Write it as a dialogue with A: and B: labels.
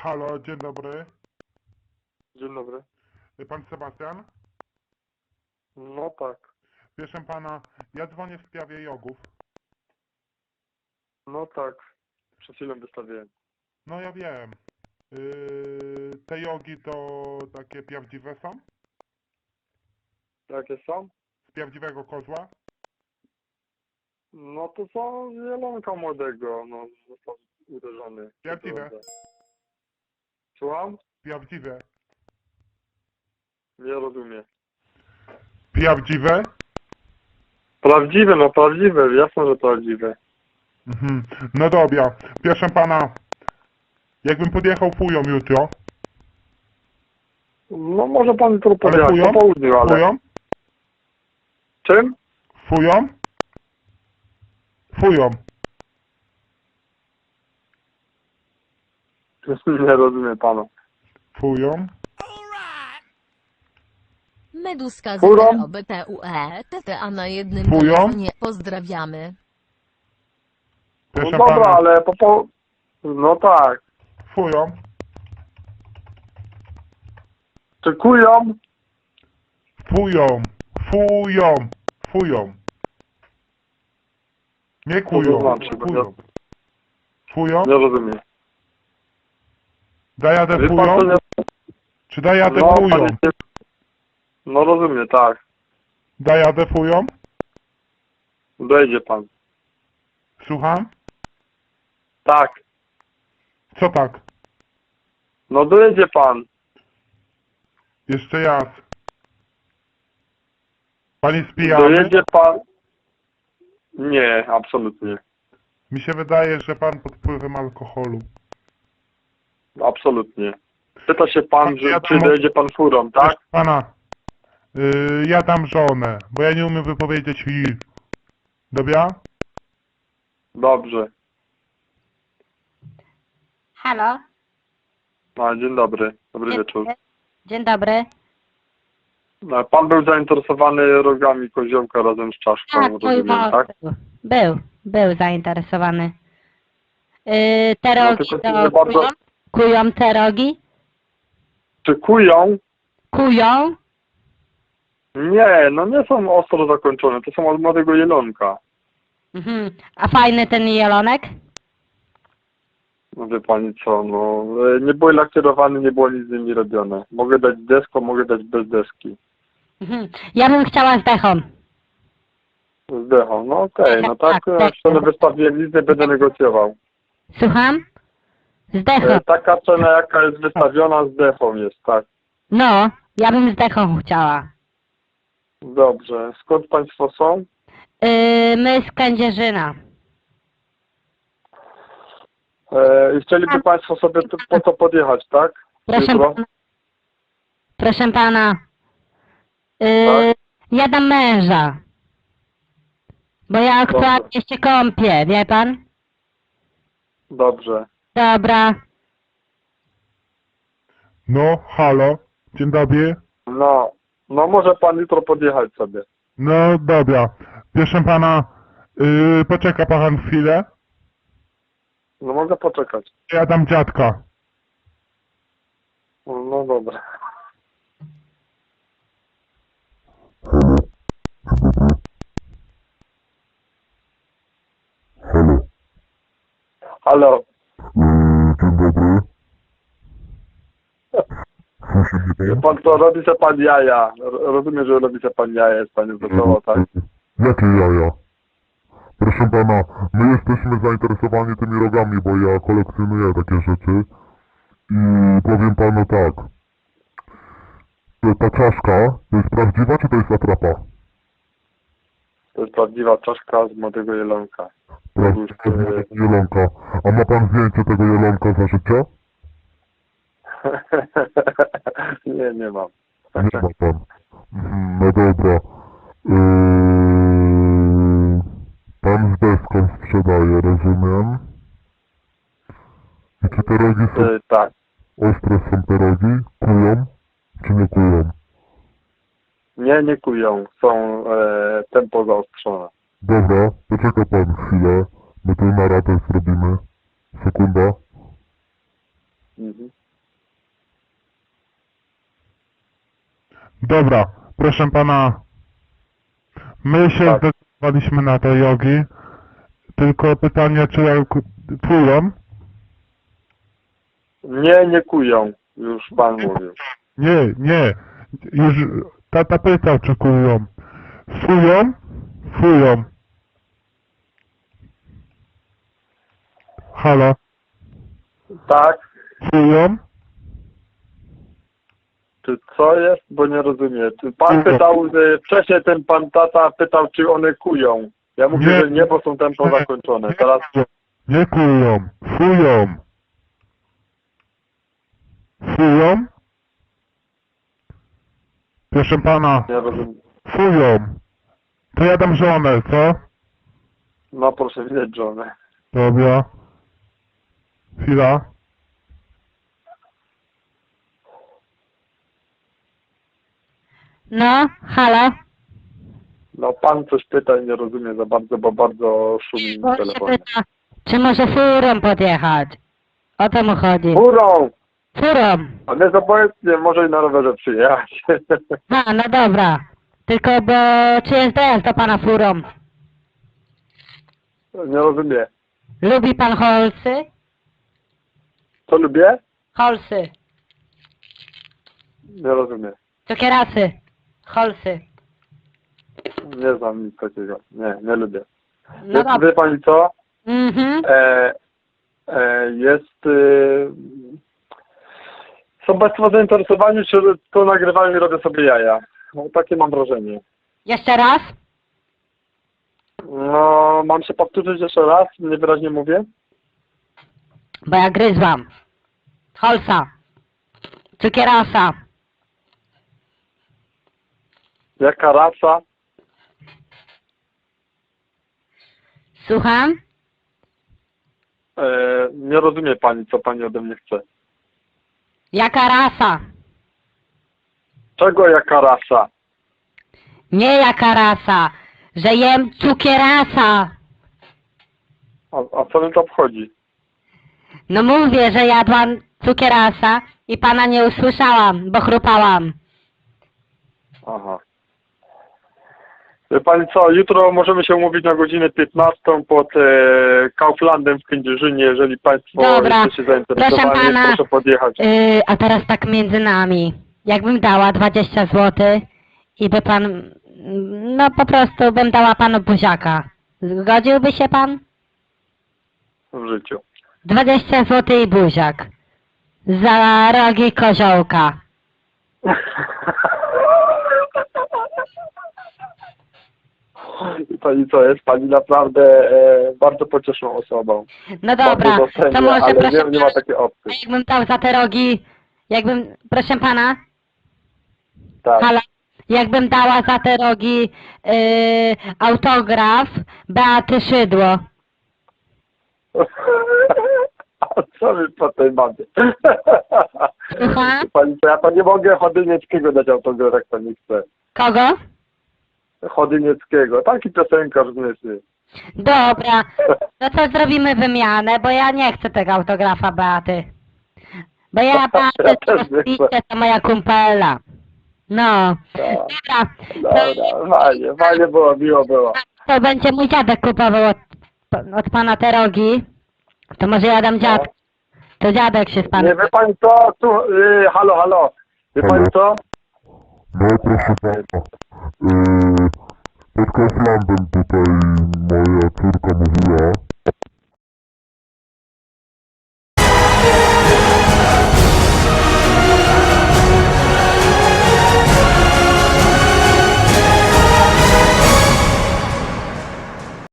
A: Halo, dzień dobry.
B: Dzień dobry.
A: Pan Sebastian?
B: No tak.
A: Proszę pana, ja dzwonię w sprawie jogów.
B: No tak. Przed chwilą wystawiłem.
A: No ja wiem. Te jogi to takie prawdziwe są?
B: Jakie są?
A: Z prawdziwego kozła?
B: No to są zielonka młodego. No, został uderzony.
A: Prawdziwe.
B: Słucham?
A: Prawdziwe.
B: Nie rozumiem.
A: Prawdziwe?
B: Prawdziwe, no prawdziwe. Jasne, że prawdziwe.
A: Mhm. No dobra. Proszę pana, jakbym podjechał fują jutro.
B: No może pan to
A: Ale
B: powiedzieć
A: fują?
B: po południu, ale...
A: Fują?
B: Czym?
A: Fują? Fują.
B: Nie rozumiem pana.
A: Fują?
C: Meduska z
B: Furą?
C: BTUE, TTA na jednym
A: Fują?
C: telefonie. Pozdrawiamy.
B: No
A: Proszę
B: dobra,
A: pana,
B: ale No tak.
A: fują?
B: Czy kują?
A: Fują. Fują. Fują. Nie kują.
B: znaczy?
A: Fują. Fują?
B: Nie rozumiem.
A: Dajadę
B: Wie pan,
A: fują?
B: co nie...
A: Czy dajadę
B: No,
A: fują?
B: panie... No rozumiem, tak.
A: Dajadę fują?
B: Dojdzie pan.
A: Słucham?
B: Tak.
A: Co tak?
B: No dojedzie pan.
A: Jeszcze raz. Pan jest pijany?
B: Dojedzie pan. Nie, absolutnie.
A: Mi się wydaje, że pan pod wpływem alkoholu.
B: Absolutnie. Pyta się pan,
A: Ja
B: czy
A: tam-
B: dojedzie pan furą, tak?
A: Proszę pana, ja dam żonę, bo ja nie umiem wypowiedzieć i. Dobra?
B: Dobrze.
D: Halo?
B: A, dzień dobry. Dobry wieczór.
D: Dzień dobry.
B: Pan był zainteresowany rogami koziołka razem z czaszką,
D: Tak, mój
B: rozumiem,
D: mąż
B: tak?
D: był zainteresowany. Te
B: No,
D: rogi
B: tylko
D: to
B: nie bardzo-
D: kują? Kują te rogi?
B: Czy kują?
D: Kują?
B: Nie, no nie są ostro zakończone. To są od młodego jelonka.
D: Mhm. A fajny ten jelonek?
B: No wie pani co, no nie były lakierowane, nie było nic z nimi robione. Mogę dać deską, mogę dać bez deski.
D: Mhm. Ja bym chciała z dechą.
B: Z dechą, no okej, no tak,
D: Tak,
B: jak cenę wystawiłem, nic nie będę negocjował.
D: Słucham? Z dechą.
B: Taka cena jaka jest wystawiona z dechą jest, tak.
D: No, ja bym z dechą chciała.
B: Dobrze, skąd państwo są?
D: My z Kędzierzyna.
B: I chcieliby państwo sobie po to podjechać, tak?
D: Proszę
B: Jutro?
D: pana. Proszę pana.
B: Tak?
D: Ja dam męża. Bo ja aktualnie się kąpię, wie pan?
B: Dobrze.
D: Dobra.
A: No, halo. Dzień dobry.
B: No może pan jutro podjechać sobie.
A: No dobra. Proszę pana, poczeka pan chwilę.
B: No mogę poczekać.
A: Ja dam dziadka.
B: No dobra. Halo.
A: Dzień dobry.
B: Wie pan co, robi se pan jaja. Rozumiem, że robi se pan jaja, jest pani wesoło, tak?
A: Jakie jaja? Proszę pana, my jesteśmy zainteresowani tymi rogami, bo ja kolekcjonuję takie rzeczy. I powiem panu tak. Ta czaszka, to jest prawdziwa, czy to jest atrapa?
B: To jest prawdziwa czaszka z młodego jelonka.
A: Prawdziwa jelonka. A ma pan zdjęcie tego jelonka za życia?
B: Nie, nie mam.
A: Nie ma pan. No dobra. Pan z deską sprzedaje, rozumiem. I czy te rogi są
B: Tak.
A: ostre, są te rogi? Kują? Czy nie kują?
B: Nie kują. Są tempo zaostrzone.
A: Dobra, poczeka pan chwilę. My tu na radę zrobimy. Sekunda.
B: Mhm.
A: Dobra, proszę pana, my się
B: Tak.
A: zdecydowaliśmy na te jogi, tylko pytanie, czy jak płyną?
B: Nie, nie kują, już pan mówił.
A: Nie, już tata pytał, czy kują. Fują? Fują. Halo,
B: Tak?
A: fują?
B: Czy co jest? Bo nie rozumiem. Czy pan pytał, wcześniej ten pan tata pytał, czy one kują. Ja mówię,
A: Nie.
B: że nie, bo są tempo zakończone. Teraz
A: Nie kują, fują. Fują? Proszę pana,
B: nie rozumiem.
A: fują. To ja dam żonę, co?
B: No proszę widzieć żonę.
A: Dobra. Chwila.
D: No, halo?
B: No pan coś pyta i nie rozumie za bardzo, bo bardzo szumi
D: Bo
B: w
D: się
B: telefonie.
D: pyta, czy może furą podjechać? O to mu chodzi.
B: Furą!
D: Furą.
B: A nie obojętnie, może i na rowerze przyjechać.
D: A, no dobra. Tylko bo czy jest dojazd do pana furą?
B: Nie rozumiem.
D: Lubi pan holsy?
B: Co lubię?
D: Holsy.
B: Nie rozumiem.
D: Cukierasy. Holsy.
B: Nie znam nic takiego. Nie lubię.
D: No
B: Wie
D: dobra.
B: pani co?
D: Mhm.
B: Jest... Są państwo zainteresowani, czy to nagrywają i robię sobie jaja. No, takie mam wrażenie.
D: Jeszcze raz?
B: No, mam się powtórzyć jeszcze raz, niewyraźnie mówię.
D: Bo ja gryzłam. Holsa. Cukierasa.
B: Jaka rasa?
D: Słucham?
B: Nie rozumie pani, co pani ode mnie chce.
D: Jaka rasa?
B: Czego jaka rasa?
D: Nie jaka rasa. Że jem cukierasa.
B: A co mi to obchodzi?
D: No mówię, że jadłam cukierasa i pana nie usłyszałam, bo chrupałam.
B: Aha. Wie pani co, jutro możemy się umówić na godzinę 15 pod Kauflandem w Kędzierzynie. Jeżeli państwo
D: Dobra.
B: jesteście zainteresowani,
D: Proszę pana.
B: proszę podjechać.
D: A teraz tak między nami. Jakbym dała 20 zł i by pan... No po prostu bym dała panu buziaka. Zgodziłby się pan?
B: W życiu.
D: 20 zł i buziak. Za rogi koziołka.
B: I pani co, jest pani naprawdę bardzo pocieszną osobą.
D: No dobra,
B: Bardzo docenię,
D: to może
B: ale
D: proszę
B: nie ma takiej opcji.
D: jakbym dał za te rogi... Proszę pana?
B: Tak.
D: Halo? Jakbym dała za te rogi autograf Beaty Szydło.
B: A co my po tej mamie?
D: Słucham?
B: Pani co, ja to nie mogę Chodynieckiego dać autograf, jak pani chce.
D: Kogo?
B: Chodynieckiego, taki piosenkarz z Nysy.
D: Dobra, no to zrobimy wymianę, bo ja nie chcę tego autografa Beaty. Bo ja Beatę
B: Ja też nie chcę.
D: to moja kumpela. No,
B: Tak.
D: dobra,
B: Dobra, fajnie było, miło było.
D: to będzie mój dziadek kupował od pana te rogi. To może ja dam dziadek. To dziadek się z
B: Nie
D: panem...
B: wie pani co, tu, halo, wie pani co?
A: No proszę pana. Pod Kauflandem tutaj moja córka mówiła,